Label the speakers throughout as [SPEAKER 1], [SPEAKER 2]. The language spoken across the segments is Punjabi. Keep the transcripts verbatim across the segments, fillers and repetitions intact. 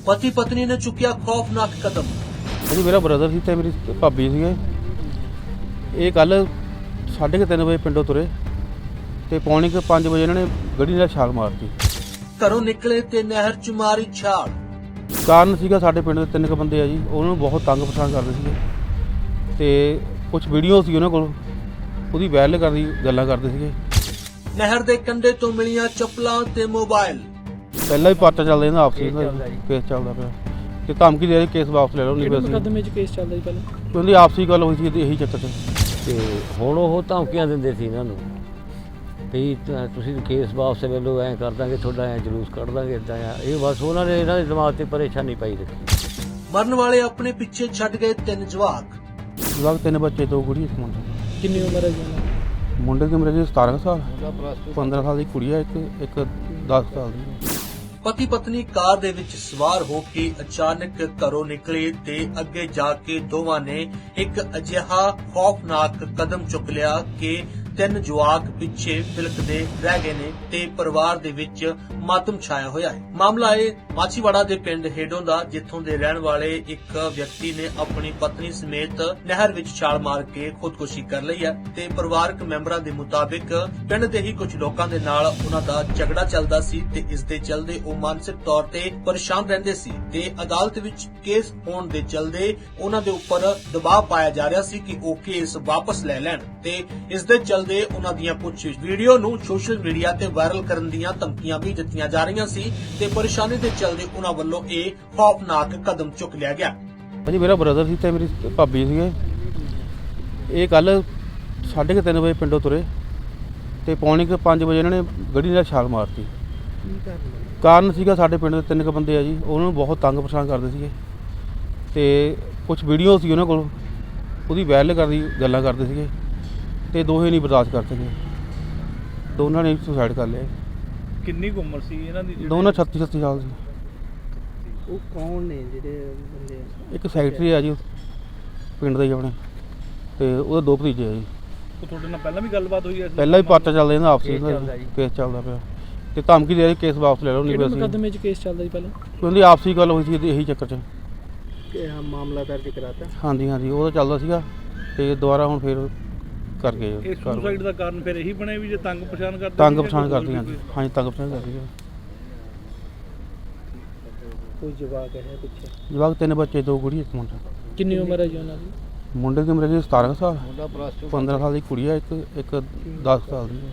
[SPEAKER 1] पति पत्नी ने चुकिया खौफनाक कदम।
[SPEAKER 2] जी मेरा ब्रदर सी ते मेरी भाभी सीगे। ये कल साढ़े के तीन बजे पिंडों तुरे ते पौने के पाँच बजे इन्होंने गड्डी नाल छाल मारती।
[SPEAKER 1] घरों निकले ते नहर च मारी छाल।
[SPEAKER 2] ਕਾਰਨ ਸੀਗਾ ਸਾਡੇ ਪਿੰਡ ਦੇ ਤਿੰਨ ਕੁ ਬੰਦੇ ਆ ਜੀ, ਉਹਨਾਂ ਨੂੰ ਬਹੁਤ ਤੰਗ ਪਰੇਸ਼ਾਨ ਕਰਦੇ ਸੀਗੇ ਤੇ ਕੁਝ ਵੀਡੀਓ ਸੀ ਉਹਨਾਂ ਕੋਲ, ਉਹਦੀ ਵਾਇਰਲ ਕਰਦੀ ਗੱਲਾਂ ਕਰਦੇ ਸੀਗੇ।
[SPEAKER 1] ਨਹਿਰ ਦੇ ਕੰਢੇ ਤੋਂ ਮਿਲੀਆਂ ਚੱਪਲਾਂ ਤੇ ਮੋਬਾਈਲ।
[SPEAKER 2] ਪਹਿਲਾਂ ਵੀ ਪਾਰਟਾ ਚੱਲਦਾ ਇਹਨਾਂ ਆਪਸੀ ਕੇਸ ਚੱਲਦਾ ਪਿਆ ਤੇ ਧਮਕੀ ਦੇ ਰਹੀ ਕੇਸ ਵਾਪਸ ਲੈ ਲਓ ਨਹੀਂ ਬਸ
[SPEAKER 3] ਮੁਕੱਦਮੇ 'ਚ ਕੇਸ ਚੱਲਦਾ ਜੀ ਪਹਿਲਾਂ।
[SPEAKER 2] ਉਹਦੀ ਆਪਸੀ ਗੱਲ ਹੋਈ ਸੀ ਇਹੀ ਚੱਕਰ 'ਚ
[SPEAKER 4] ਤੇ ਹੁਣ ਉਹ ਧਮਕੀਆਂ ਦਿੰਦੇ ਸੀ ਇਹਨਾਂ ਨੂੰ ਵੀ ਤੁਸੀਂ ਕੇਸ ਵਾਪਸ ਲੈ ਲਓ, ਐਂ ਕਰ ਦਾਂਗੇ ਤੁਹਾਡਾ, ਐਂ ਜਲੂਸ ਕੱਢ ਦਾਂਗੇ, ਇੱਦਾਂ ਆ। ਇਹ ਬਸ ਉਹਨਾਂ ਨੇ ਇਹਨਾਂ ਦੇ ਦਿਮਾਗ ਤੇ ਪਰੇਸ਼ਾਨੀ ਪਾਈ ਰੱਖੀ।
[SPEAKER 1] ਮਰਨ ਵਾਲੇ ਆਪਣੇ ਪਿੱਛੇ ਛੱਡ ਗਏ ਤਿੰਨ ਜਵਾਕ।
[SPEAKER 2] ਜਵਾਕ ਤਿੰਨ ਬੱਚੇ, ਦੋ ਕੁੜੀ ਇੱਕ ਮੁੰਡਾ।
[SPEAKER 3] ਕਿੰਨੀ ਉਮਰ ਹੈ ਜੀ ਉਹਨਾਂ ਦੀ?
[SPEAKER 2] ਮੁੰਡੇ ਦੀ ਉਮਰ ਜੀ ਸਤਾਰਾਂ ਸਾਲ, ਪੰਦਰਾਂ ਸਾਲ ਦੀ ਕੁੜੀ ਹੈ, ਇੱਕ ਇੱਕ ਦਸ ਸਾਲ ਦੀ।
[SPEAKER 1] ਪਤੀ ਪਤਨੀ ਕਾਰ ਦੇ ਵਿੱਚ ਸਵਾਰ ਹੋ ਕੇ ਅਚਾਨਕ ਘਰੋਂ ਨਿਕਲੇ ਤੇ ਅੱਗੇ ਜਾ ਕੇ ਦੋਵਾਂ ਨੇ ਇੱਕ ਅਜਿਹਾ ਖੌਫਨਾਕ ਕਦਮ ਚੁੱਕ ਲਿਆ ਕਿ ਤਿੰਨ ਜਵਾਕ ਪਿੱਛੇ ਫਿਲਕਦੇ ਰਹਿ ਗਏ ਨੇ ਤੇ ਪਰਿਵਾਰ ਦੇ ਵਿੱਚ ਮਾਤਮ ਛਾਇਆ ਹੋਇਆ ਹੈ। ਮਾਮਲਾ ਹੈ ਮਾਛੀਵਾੜਾ ਦੇ ਪਿੰਡ ਹੇਡੋਂ ਦਾ, ਜਿੱਥੋਂ ਦੇ ਰਹਿਣ ਵਾਲੇ ਇੱਕ ਵਿਅਕਤੀ ਨੇ ਆਪਣੀ ਪਤਨੀ ਸਮੇਤ ਨਹਿਰ ਵਿੱਚ ਛਾਲ ਮਾਰ ਕੇ ਖੁਦਕੁਸ਼ੀ ਕਰ ਲਈ ਹੈ ਤੇ ਪਰਿਵਾਰਕ ਮੈਂਬਰਾਂ ਦੇ ਮੁਤਾਬਿਕ ਪਿੰਡ ਦੇ ਹੀ ਕੁਝ ਲੋਕਾਂ ਦੇ ਨਾਲ ਉਹਨਾਂ ਦਾ ਝਗੜਾ ਚੱਲਦਾ ਸੀ ਤੇ ਇਸ ਦੇ ਚੱਲਦੇ ਉਹ ਮਾਨਸਿਕ ਤੌਰ ਤੇ ਪਰੇਸ਼ਾਨ ਰਹਿੰਦੇ ਸੀ ਤੇ ਅਦਾਲਤ ਵਿੱਚ ਕੇਸ ਹੋਣ ਦੇ ਚੱਲਦੇ ਉਹਨਾਂ ਦੇ ਉੱਪਰ ਦਬਾਅ ਪਾਇਆ ਜਾ ਰਿਹਾ ਸੀ ਕਿ ਉਹ ਕੇਸ ਵਾਪਸ ਲੈ ਲੈਣ ਤੇ ਇਸ ਦੇ ਚੱਲਦੇ ਉਹਨਾਂ ਦੀਆਂ ਕੁਝ ਵੀਡੀਓ ਨੂੰ ਸੋਸ਼ਲ ਮੀਡੀਆ ਤੇ ਵਾਇਰਲ ਕਰਨ ਦੀਆਂ ਧਮਕੀਆਂ ਵੀ ਦਿੱਤੀਆਂ ਜਾ ਰਹੀਆਂ ਸੀ ਤੇ ਪਰੇਸ਼ਾਨੀ ਦੇ ਚੱਲਦੇ ਉਹਨਾਂ ਵੱਲੋਂ ਇਹ ਖੌਫਨਾਕ ਕਦਮ ਚੁੱਕ ਲਿਆ ਗਿਆ।
[SPEAKER 2] ਜੀ ਮੇਰਾ ਬ੍ਰਦਰ ਸੀ ਤੇ ਮੇਰੀ ਭਾਬੀ ਸੀਗੇ। ਇਹ ਕੱਲ ਸਾਢੇ ਕੇ ਤਿੰਨ ਵਜੇ ਪਿੰਡੋਂ ਤੁਰੇ ਤੇ ਪੌਣੇ ਕੇ ਪੰਜ ਵਜੇ ਇਹਨਾਂ ਨੇ ਗੱਡੀ ਨਾਲ ਛਾਲ ਮਾਰਤੀ। ਕਾਰਨ ਸੀਗਾ ਸਾਡੇ ਪਿੰਡ ਦੇ ਤਿੰਨ ਕੁ ਬੰਦੇ ਆ ਜੀ, ਉਹਨਾਂ ਨੂੰ ਬਹੁਤ ਤੰਗ ਪਰੇਸ਼ਾਨ ਕਰਦੇ ਸੀਗੇ ਤੇ ਕੁਝ ਵੀਡੀਓ ਸੀ ਉਹਨਾਂ ਕੋਲ, ਉਹਦੀ ਵਾਇਰਲ ਕਰਦੀ ਗੱਲਾਂ ਕਰਦੇ ਸੀਗੇ ਤੇ ਦੋਹੇ ਨਹੀਂ ਬਰਦਾਸ਼ਤ ਕਰ ਸਕੇ, ਦੋਨਾਂ ਨੇ ਸੁਸਾਈਡ ਕਰ ਲਿਆ।
[SPEAKER 5] ਕਿੰਨੀ ਕੁ ਉਮਰ ਸੀ ਇਹਨਾਂ ਦੀ?
[SPEAKER 2] ਦੋਨਾਂ ਛੱਤੀ ਛੱਤੀ ਸਾਲ ਸੀ।
[SPEAKER 3] ਉਹ ਕੌਣ ਨੇ ਜਿਹੜੇ ਬੰਦੇ?
[SPEAKER 2] ਇੱਕ ਸੈਕਟਰੀ ਆ ਜੀ ਪਿੰਡ ਦੇ ਹੀ ਆਪਣੇ ਤੇ ਉਹਦੇ ਦੋ ਭਤੀਜੇ ਆ ਜੀ।
[SPEAKER 5] ਉਹ ਤੁਹਾਡੇ ਨਾਲ ਪਹਿਲਾਂ ਵੀ ਗੱਲਬਾਤ ਹੋਈ ਹੈ?
[SPEAKER 2] ਪਹਿਲਾਂ ਵੀ ਪਾਰਟਾ ਚੱਲਦਾ ਇਹਨਾਂ ਆਪਸੀ ਕੇਸ ਚੱਲਦਾ ਪਿਆ ਤੇ ਧਮਕੀ ਦੇ ਰਹੀ ਕੇਸ ਵਾਪਸ ਲੈ ਲਓ ਨਹੀਂ ਬਸ
[SPEAKER 3] ਮੁਕੱਦਮੇ 'ਚ ਕੇਸ ਚੱਲਦਾ ਜੀ ਪਹਿਲਾਂ।
[SPEAKER 2] ਉਹਦੀ ਆਪਸੀ ਗੱਲ ਹੋਈ ਸੀ ਇਹੀ ਚੱਕਰ 'ਚ।
[SPEAKER 3] ਮਾਮਲਾ ਦਰਜ ਕਰਾਤਾ?
[SPEAKER 2] ਹਾਂਜੀ ਹਾਂਜੀ ਉਹ ਤਾਂ ਚੱਲਦਾ ਸੀਗਾ ਤੇ ਦੁਬਾਰਾ ਹੁਣ ਫੇਰ ਕਰ ਗਏ।
[SPEAKER 5] ਇਹ ਸੁਸਾਈਡ ਦਾ ਕਾਰਨ ਫਿਰ ਇਹੀ ਬਣਿਆ ਵੀ ਜੇ ਤੰਗ ਪਛਾਣ ਕਰਦੇ?
[SPEAKER 2] ਤੰਗ ਪਛਾਣ ਕਰਦੀਆਂ ਹਾਂਜੀ ਹਾਂਜੀ ਤੰਗ ਪਛਾਣ ਕਰਦੀਆਂ।
[SPEAKER 3] ਕੋਈ ਜਵਾਕ ਹੈ ਪਿੱਛੇ?
[SPEAKER 2] ਜਵਾਕ ਤਿੰਨ ਬੱਚੇ, ਦੋ ਕੁੜੀ ਇੱਕ ਮੁੰਡਾ।
[SPEAKER 3] ਕਿੰਨੀ ਉਮਰ ਹੈ ਜੀ ਉਹਨਾਂ ਦੀ?
[SPEAKER 2] ਮੁੰਡੇ ਦੀ ਉਮਰ ਜੀ ਸਤਾਰਾਂ ਸਾਲ, ਪੰਦਰਾਂ ਸਾਲ ਦੀ ਕੁੜੀ ਹੈ, ਇੱਕ ਇੱਕ ਦਸ ਸਾਲ ਦੀ।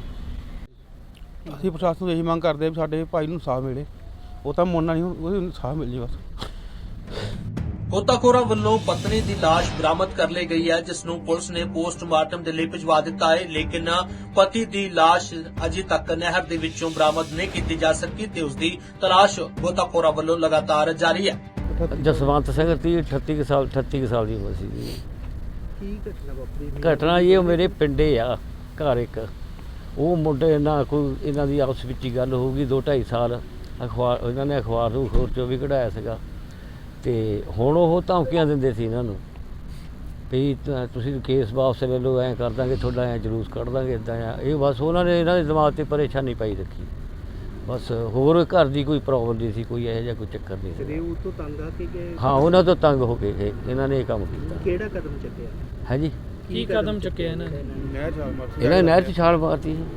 [SPEAKER 2] ਅਸੀਂ ਪ੍ਰਸ਼ਾਸਨ ਤੋਂ ਇਹੀ ਮੰਗ ਕਰਦੇ ਵੀ ਸਾਡੇ ਭਾਈ ਨੂੰ ਇਨਸਾਫ ਮਿਲੇ। ਉਹ ਤਾਂ ਮੋਨਾ ਨਹੀਂ, ਉਹਨੂੰ ਇਨਸਾਫ ਮਿਲ ਜੇ ਬਸ।
[SPEAKER 1] ਗੋਤਾਖੋਰਾਂ ਵੱਲੋਂ ਪਤਨੀ ਦੀ ਲਾਸ਼ ਬਰਾਮਦ ਕਰ ਲਈ ਗਈ ਹੈ, ਜਿਸ ਨੂੰ ਪੁਲਿਸ ਨੇ ਪੋਸਟਮਾਰਟਮ ਦੇ ਲਈ ਭਿਜਵਾ ਦਿੱਤਾ ਹੈ, ਲੇਕਿਨ ਪਤੀ ਦੀ ਲਾਸ਼ ਅਜੇ ਤੱਕ ਨਹਿਰ ਦੇ ਵਿੱਚੋਂ ਬਰਾਮਦ ਨਹੀਂ ਕੀਤੀ ਜਾ ਸਕੀ ਤੇ ਉਸ ਦੀ ਤਲਾਸ਼ ਗੋਤਾਖੋਰਾਂ ਵੱਲੋਂ ਲਗਾਤਾਰ ਜਾਰੀ ਹੈ।
[SPEAKER 4] ਜਸਵੰਤ ਸਿੰਘ ਤੀਹ ਅਠੱਤੀ ਕੁ ਸਾਲ ਅਠੱਤੀ ਕੁ ਸਾਲ ਦੀ ਉਮਰ ਸੀ ਜੀ।
[SPEAKER 3] ਕੀ ਘਟਨਾ ਵਾਪਰੀ?
[SPEAKER 4] ਘਟਨਾ ਇਹ ਮੇਰੇ ਪਿੰਡੇ ਆ ਘਰ ਇੱਕ, ਉਹ ਮੁੰਡੇ ਨਾਲ ਕੋਈ ਇਹਨਾਂ ਦੀ ਆਪਸ ਵਿੱਚ ਹੀ ਗੱਲ ਹੋਊਗੀ। ਦੋ ਢਾਈ ਸਾਲ ਅਖਬਾਰ ਇਹਨਾਂ ਨੇ ਅਖਬਾਰ ਨੂੰ ਖੋਰ ਚੋਂ ਵੀ ਕਢਾਇਆ ਸੀਗਾ ਤੇ ਹੁਣ ਉਹ ਧਮਕੀਆਂ ਦਿੰਦੇ ਸੀ ਇਹਨਾਂ ਨੂੰ ਵੀ ਤੁਸੀਂ ਕੇਸ ਵਾਪਸ ਲੈ ਲਓ, ਐਂ ਕਰ ਦਾਂਗੇ ਤੁਹਾਡਾ, ਐਂ ਜਲੂਸ ਕੱਢ ਦਾਂਗੇ, ਇੱਦਾਂ ਆ। ਇਹ ਬਸ ਉਹਨਾਂ ਨੇ ਇਹਨਾਂ ਦੇ ਦਿਮਾਗ ਤੇ ਪਰੇਸ਼ਾਨੀ ਪਾਈ ਰੱਖੀ। ਬਸ ਹੋਰ ਘਰ ਦੀ ਕੋਈ ਪ੍ਰੋਬਲਮ ਨਹੀਂ ਸੀ, ਕੋਈ ਇਹੋ ਜਿਹਾ ਕੋਈ ਚੱਕਰ ਨਹੀਂ ਸੀ।
[SPEAKER 3] ਉਹ ਤੋਂ ਤੰਗ ਆ ਕੇ ਗਏ?
[SPEAKER 4] ਹਾਂ ਉਹਨਾਂ ਤੋਂ ਤੰਗ ਹੋ ਕੇ ਗਏ, ਇਹਨਾਂ ਨੇ ਇਹ ਕੰਮ ਕੀਤਾ।
[SPEAKER 3] ਕਿਹੜਾ ਕਦਮ ਚੱਕਿਆ
[SPEAKER 4] ਹੈ ਜੀ?
[SPEAKER 3] ਕੀ ਕਦਮ ਚੱਕਿਆ ਇਹਨਾਂ ਨੇ?
[SPEAKER 4] ਇਹਨਾਂ ਨੇ ਨਹਿਰ 'ਚ ਛਾਲ ਮਾਰਤੀ ਜੀ।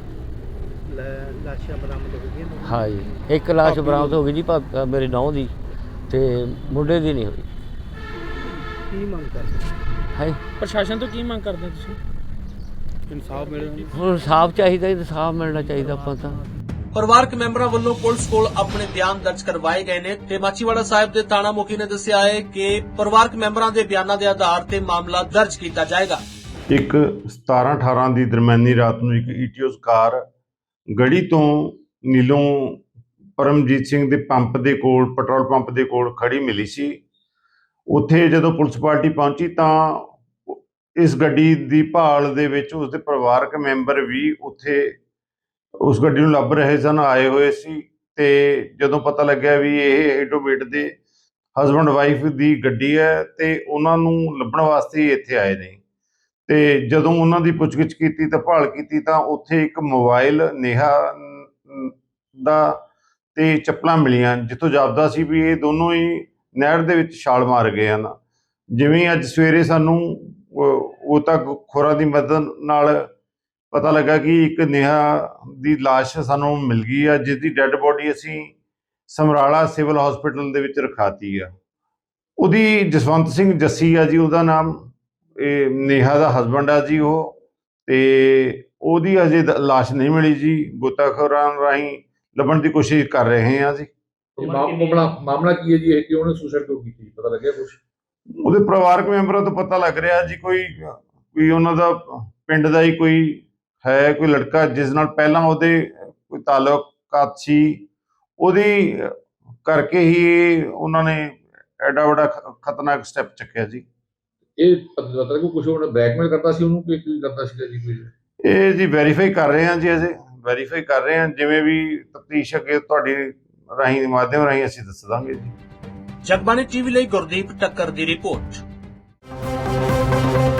[SPEAKER 3] ਲਾਸ਼ਾਂ ਬਰਾਮਦ ਹੋ ਗਈਆਂ?
[SPEAKER 4] ਹਾਂ ਜੀ, ਇੱਕ ਲਾਸ਼ ਬਰਾਮਦ ਹੋ ਗਈ ਜੀ ਭਾ- ਮੇਰੇ ਨੌਂ ਦੀ ਤੇ ਮੁੰਡੇ ਦੀ ਨਹੀਂ ਹੋਈ।
[SPEAKER 3] ਕੀ ਮੰਗ ਕਰਦੇ
[SPEAKER 4] ਹੈ?
[SPEAKER 3] ਪ੍ਰਸ਼ਾਸਨ ਤੋਂ ਕੀ ਮੰਗ ਕਰਦੇ ਤੁਸੀਂ?
[SPEAKER 2] ਇਨਸਾਫ ਮਿਲੇ।
[SPEAKER 4] ਹੁਣ ਇਨਸਾਫ ਚਾਹੀਦਾ, ਇਨਸਾਫ ਮਿਲਣਾ ਚਾਹੀਦਾ ਆਪਾਂ ਤਾਂ।
[SPEAKER 1] ਪਰਿਵਾਰਕ ਮੈਂਬਰਾਂ ਵੱਲੋਂ ਪੁਲਿਸ ਕੋਲ ਆਪਣੇ ਬਿਆਨ ਦਰਜ ਕਰਵਾਏ ਗਏ ਨੇ ਤੇ ਮਾਛੀਵਾੜਾ ਸਾਹਿਬ ਦੇ ਥਾਣਾ ਮੁਖੀ ਨੇ ਦੱਸਿਆ ਹੈ ਕਿ ਪਰਿਵਾਰਕ ਮੈਂਬਰਾਂ ਦੇ ਬਿਆਨਾਂ ਦੇ ਆਧਾਰ ਤੇ ਮਾਮਲਾ ਦਰਜ ਕੀਤਾ ਜਾਏਗਾ।
[SPEAKER 6] ਇੱਕ ਸਤਾਰਾਂ ਅਠਾਰਾਂ ਦੀ ਦਰਮਿਆਨੀ ਰਾਤ ਨੂੰ ਇੱਕ ਈਟੀਓਸ ਕਾਰ ਗੜੀ ਤੋਂ ਨੀਲੋਂ ਪਰਮਜੀਤ ਸਿੰਘ ਦੇ ਪੰਪ ਦੇ ਕੋਲ, ਪੈਟਰੋਲ ਪੰਪ ਦੇ ਕੋਲ ਖੜੀ ਮਿਲੀ ਸੀ। ਉੱਥੇ ਜਦੋਂ ਪੁਲਿਸ ਪਾਰਟੀ ਪਹੁੰਚੀ ਤਾਂ ਇਸ ਗੱਡੀ ਦੀ ਭਾਲ ਦੇ ਵਿੱਚ ਉਸਦੇ ਪਰਿਵਾਰਕ ਮੈਂਬਰ ਵੀ ਉੱਥੇ ਉਸ ਗੱਡੀ ਨੂੰ ਲੱਭ ਰਹੇ ਸਨ, ਆਏ ਹੋਏ ਸੀ। ਤੇ ਜਦੋਂ ਪਤਾ ਲੱਗਿਆ ਵੀ ਇਹ ਹੈਡੋਵੇਟ ਦੇ ਹਸਬੈਂਡ ਵਾਈਫ ਦੀ ਗੱਡੀ ਹੈ ਤੇ ਉਹਨਾਂ ਨੂੰ ਲੱਭਣ ਵਾਸਤੇ ਇੱਥੇ ਆਏ ਨੇ। ਤੇ ਜਦੋਂ ਉਹਨਾਂ ਦੀ ਪੁੱਛਗਿੱਛ ਕੀਤੀ ਤਾਂ ਭਾਲ ਕੀਤੀ ਤਾਂ ਉੱਥੇ ਇੱਕ ਮੋਬਾਈਲ ਨੇਹਾ ਦਾ ਤੇ ਚੱਪਲਾਂ ਮਿਲੀਆਂ, ਜਿੱਥੋਂ ਜਾਪਦਾ ਸੀ ਵੀ ਇਹ ਦੋਨੋਂ ਹੀ ਨਹਿਰ ਦੇ ਵਿੱਚ ਛਾਲ ਮਾਰ ਗਏ ਹਨ। ਜਿਵੇਂ ਅੱਜ ਸਵੇਰੇ ਸਾਨੂੰ ਉਹ ਉਹ ਤੱਕ ਖੋਰਾਂ ਦੀ ਮਦਦ ਨਾਲ ਪਤਾ ਲੱਗਾ ਕਿ ਇੱਕ ਨੇਹਾ ਦੀ ਲਾਸ਼ ਸਾਨੂੰ ਮਿਲ ਗਈ ਆ, ਜਿਸ ਦੀ ਡੈੱਡ ਬੋਡੀ ਅਸੀਂ ਸਮਰਾਲਾ ਸਿਵਲ ਹਸਪੀਟਲ ਦੇ ਵਿੱਚ ਰਖਾਤੀ ਆ। ਉਹਦੀ ਜਸਵੰਤ ਸਿੰਘ ਜੱਸੀ ਆ ਜੀ ਉਹਦਾ ਨਾਮ, ਇਹ ਨੇਹਾ ਦਾ ਹਸਬੈਂਡ ਆ ਜੀ ਉਹ, ਤੇ ਉਹਦੀ ਅਜੇ ਦ- ਲਾਸ਼ ਨਹੀਂ ਮਿਲੀ ਜੀ। ਗੋਤਾਖੋਰਾਂ ਰਾਹੀਂ ਲੱਭਣ ਦੀ ਕੋਸ਼ਿਸ਼ ਕਰ ਰਹੇ ਹਾਂ ਜੀ।
[SPEAKER 7] ਇਹ ਮਾ- ਮਾਮਲਾ ਮਾਮਲਾ ਕੀ ਹੈ ਜੀ, ਇਹ ਕਿ ਉਹਨੇ ਸੁਸਾਈਡ ਕਿਉਂ ਕੀਤੀ, ਪਤਾ ਲੱਗਿਆ ਕੁਝ?
[SPEAKER 6] ਉਹਦੇ ਪਰਿਵਾਰਕ ਮੈਂਬਰਾਂ ਤੋਂ ਪਤਾ ਲੱਗ ਰਿਹਾ ਜੀ ਕੋਈ ਕੋਈ ਉਹਨਾਂ ਦਾ ਪਿੰਡ ਦਾ ਹੀ ਕੋਈ ਹੈ, ਕੋਈ ਲੜਕਾ ਜਿਸ ਨਾਲ ਪਹਿਲਾਂ ਉਹਦੇ ਕੋਈ ਤਾਲੁਕਾਤ ਸੀ, ਉਹਦੀ ਕਰਕੇ ਹੀ ਉਹਨਾਂ ਨੇ ਐਡਾ ਵੱਡਾ ਖ- ਖਤਰਨਾਕ ਸਟੈਪ ਚੱਕਿਆ ਜੀ।
[SPEAKER 7] ਇਹ ਪਤਾ ਲੱਗਾ ਕੁਝ ਉਹਨੇ ਬਲੈਕਮੇਲ ਕਰਦਾ ਸੀ ਉਹਨੂੰ ਕਿ ਕੀ ਕਰਦਾ ਸੀਗਾ ਜੀ ਕੋਈ?
[SPEAKER 6] ਇਹ ਜੀ ਵੈਰੀਫਾਈ ਕਰ ਰਹੇ ਹਾਂ ਜੀ, ਅਜੇ ਵੈਰੀਫਾਈ ਕਰ ਰਹੇ ਹਾਂ। ਜਿਵੇਂ ਵੀ ਤਫਤੀਸ਼ ਅੱਗੇ ਤੁਹਾਡੀ ਰਾਹੀਂ ਦੇ ਮਾਧਿਅਮ ਰਾਹੀਂ ਅਸੀਂ ਦੱਸ ਦਾਂਗੇ ਜੀ।
[SPEAKER 1] ਜਗਬਾਣੀ ਟੀਵੀ ਲਈ ਗੁਰਦੀਪ ਟੱਕਰ ਦੀ ਰਿਪੋਰਟ।